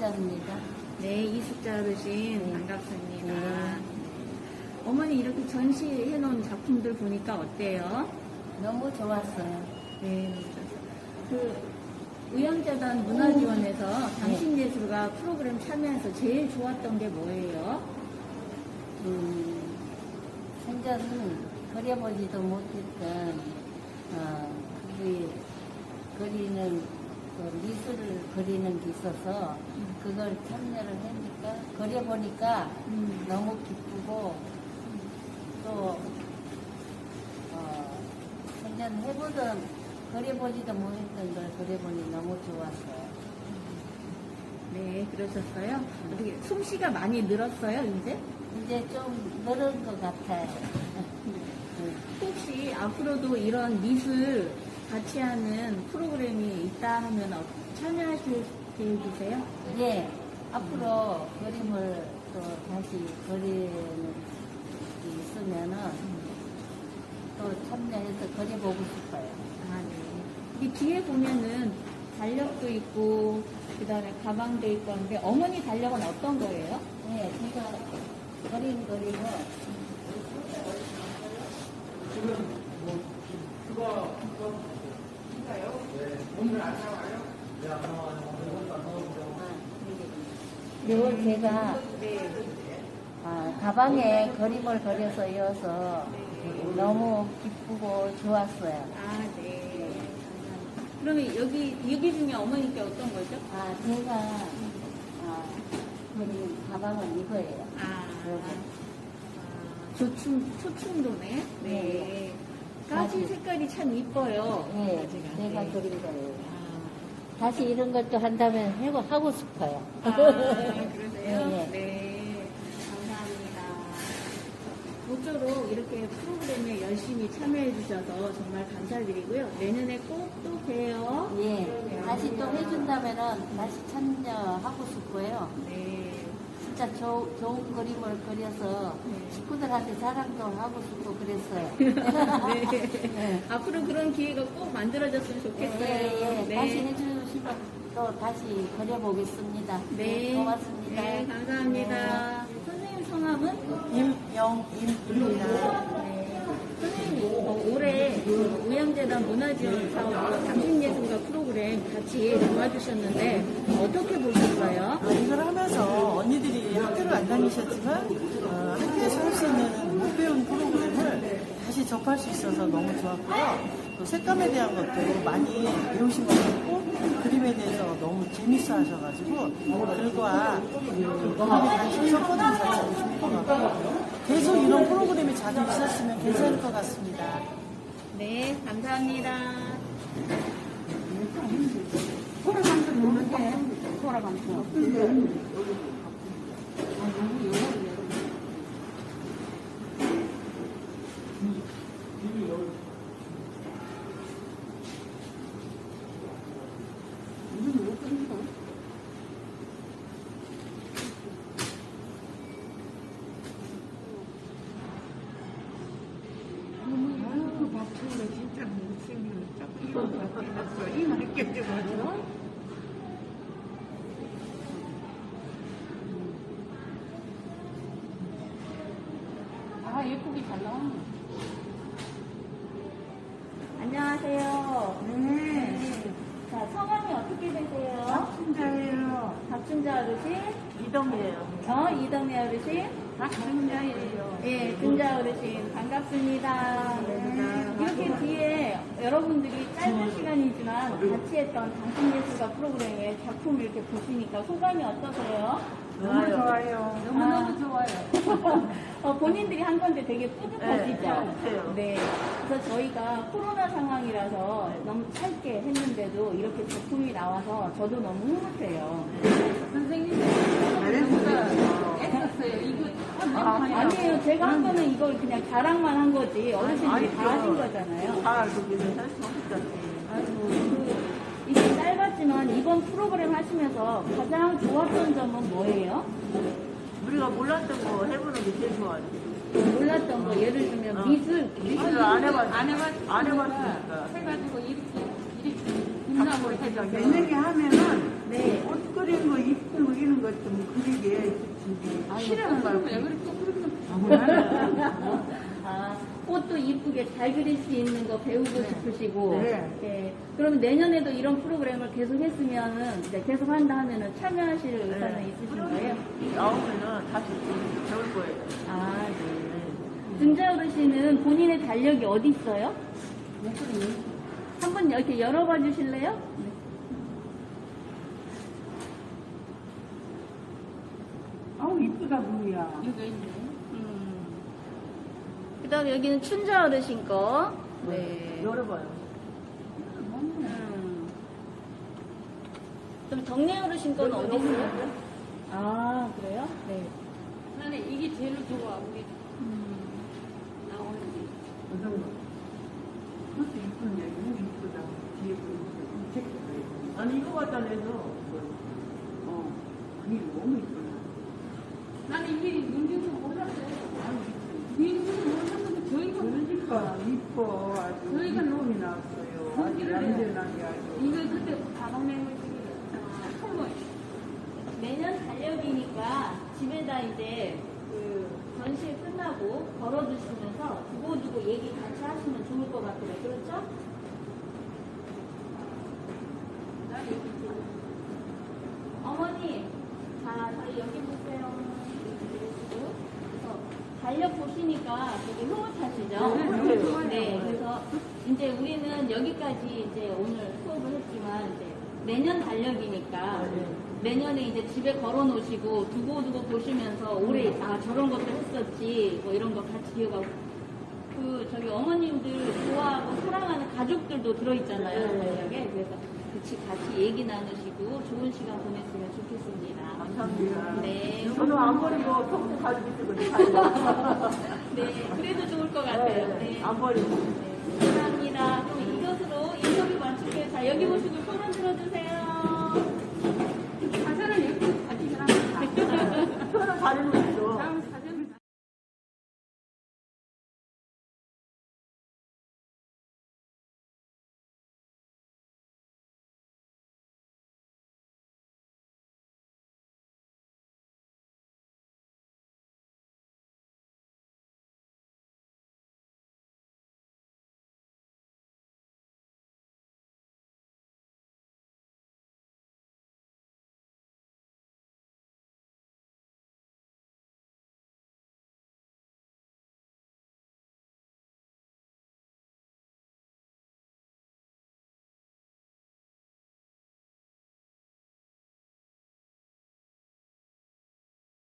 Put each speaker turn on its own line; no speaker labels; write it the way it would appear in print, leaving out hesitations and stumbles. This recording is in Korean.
이숙자입니다.
네, 이숙자 어르신
네.
반갑습니다.
네.
어머니 이렇게 전시해 놓은 작품들 보니까 어때요?
너무 좋았어요.
네, 그 의향재단 문화지원에서 당신예술가 프로그램 참여해서 제일 좋았던 게 뭐예요?
생전은 그려보지도 못했던 그 그리는 그 미술을 그리는 게 있어서 그걸 참여를 하니까 그려보니까 너무 기쁘고 또 생전 해보던 그려보지도 못했던 걸 그려보니 너무 좋았어요.
네, 그러셨어요? 어떻게 솜씨가 많이 늘었어요, 이제?
이제 좀 늘은 것 같아요.
혹시 앞으로도 이런 미술 같이 하는 프로그램이 있다 하면 참여하실 계획이세요?
예, 앞으로 그림을 또 다시 그리는 게 있으면은 또 참여해서 그려보고 싶어요.
아, 네. 이 뒤에 보면은 달력도 있고, 그 다음에 가방도 있고 하는데, 어머니 달력은 어떤 거예요?
예, 제가 그림 그리고 이걸 제가 가방에 그림을 그려서 이어서 너무 기쁘고 좋았어요.
아, 네. 그러면 여기 중에 어머니께 어떤 거죠?
제가 그린 가방은 이거예요.
초충도네. 네.
네.
가지 색깔이 참 이뻐요.
네,
가지가.
제가
네.
그린 거예요. 다시 이런 것도 한다면 하고 싶어요.
그러세요?
네.
네. 감사합니다. 모쪼록 이렇게 프로그램에 열심히 참여해 주셔서 정말 감사드리고요. 내년에 꼭 또 봬요.
예, 다시 또 해준다면은 다시 참여하고 싶고요.
네.
진짜 좋은 그림을 그려서
네.
친구들한테 자랑도 하고 싶고 그랬어요.
네.
네.
앞으로 그런 기회가 꼭 만들어졌으면 좋겠어요.
예,
네.
다시 해주시면 또 다시 그려보겠습니다.
네.
고맙습니다.
네, 감사합니다. 선생님 성함은?
임영임입니다.
네. 선생님, 올해 의향재단 문화지원 사업으로 당신예술가 프로그램 같이 도와주셨는데 어떻게 보셨어요?
이걸 하면서 언니들이 학교를 안 다니셨지만 학교에서 할 수 있는 못 배운 프로그램을 다시 접할 수 있어서 너무 좋았고요. 또 색감에 대한 것도 많이 배우신 것 같고 그림에 대해서 너무 재밌어 하셔가지고 글과 그림에 관심 섞어주는 자체도 좋을 것 같고 계속 이런 프로그램이 자주 있었으면 괜찮을 것 같습니다.
네, 감사합니다.
박수가 진짜 못생겼어. 이거 바뀌었어. 이 느껴져가지고.
예쁘게 잘 나와. 안녕하세요.
네.
자, 성함이 어떻게 되세요?
박순자예요.
박준자 어르신?
이동이에요.
이덕미 어르신?
박순자예요.
예, 준자 어르신 반갑습니다. 이렇게 뒤에 여러분들이 짧은 시간이지만 같이 했던 당신예술가 프로그램의 작품 이렇게 보시니까 소감이 어떠세요?
너무 좋아요.
너무너무
좋아요.
본인들이 한 건데 되게 뿌듯하시죠?
네, 뿌듯해요.
네. 그래서 저희가 코로나 상황이라서 너무 짧게 했는데도 이렇게 작품이 나와서 저도 너무 흐뭇해요. 아니에요. 제가 한 거는 이걸 그냥 자랑만 한 거지. 어르신들이 다 하신 거잖아요.
다 거기는 할수 없었지.
아이고, 이게 짧았지만 이번 프로그램 하시면서 가장 좋았던 점은 뭐예요?
우리가 몰랐던 거 해보는 게 제일 좋아요.
몰랐던 거 예를 들면 미술
미술을 안 해봤으니까.
해가지고 이렇게
작품을 해서 만약에 하면은
네.
옷 그린 거 이쁘고 싫어하는 말고.
아, 꽃도 이쁘게 잘 그릴 수 있는 거 배우고 싶으시고.
네.
네. 그럼 내년에도 이런 프로그램을 계속 했으면은, 이제 계속 한다 하면은 참여하실 의사는 있으신 거예요?
나오면은 다시 배울 거예요.
아, 네. 등자 어르신은 본인의 달력이 어디 있어요? 한번 이렇게 열어봐 주실래요?
아우, 이쁘다, 무야.
그 다음에 여기는 춘자 어르신 거. 네.
열어봐요.
그럼 덕내 어르신 건 어디 있어요? 아, 그래요? 네.
나는 이게 제일 좋아. 우리 나오는 게.
그것도 이쁜데, 너무 이쁘다. 뒤에 아니, 이거 갖다 내서. 그게 너무 이쁘다.
나는 이게 문제도 몰랐어요. 문제도 몰랐는데 저희가
그러니까, 이뻐. 아주.
저희가
놈이 나왔어요. 아주
거기를
얌전하게 아주.
이거 그때 가방내고 선물.
내년 달력이니까 집에다 이제 그 전시회 끝나고 걸어두시면서 두고두고 얘기 같이 하시면 좋을 것 같아요. 그렇죠? 어머니, 자, 저희 여기 보세요. 그래서 달력 보시니까 되게 흐뭇하시죠? 네, 그래서 이제 우리는 여기까지 이제 오늘 수업을 했지만 이제 내년 달력이니까 내년에 이제 집에 걸어 놓으시고 두고두고 보시면서 올해 아 저런 것도 했었지 뭐 이런 거 같이 기억하고 그 저기 어머님들 좋아하고 사랑하는 가족들도 들어있잖아요 달력에 그래서 같이 얘기 나누시고 좋은 시간 보냈으면 좋겠습니다.
감사합니다.
네.
저도 안 버리고 평생 가지고 있거든요.
네, 그래도 좋을 것 같아요. 네.
안 버리고.
네, 감사합니다. 그럼 이것으로 인터뷰 마칠게요. 자, 여기 보시고 손 흔들어 주세요.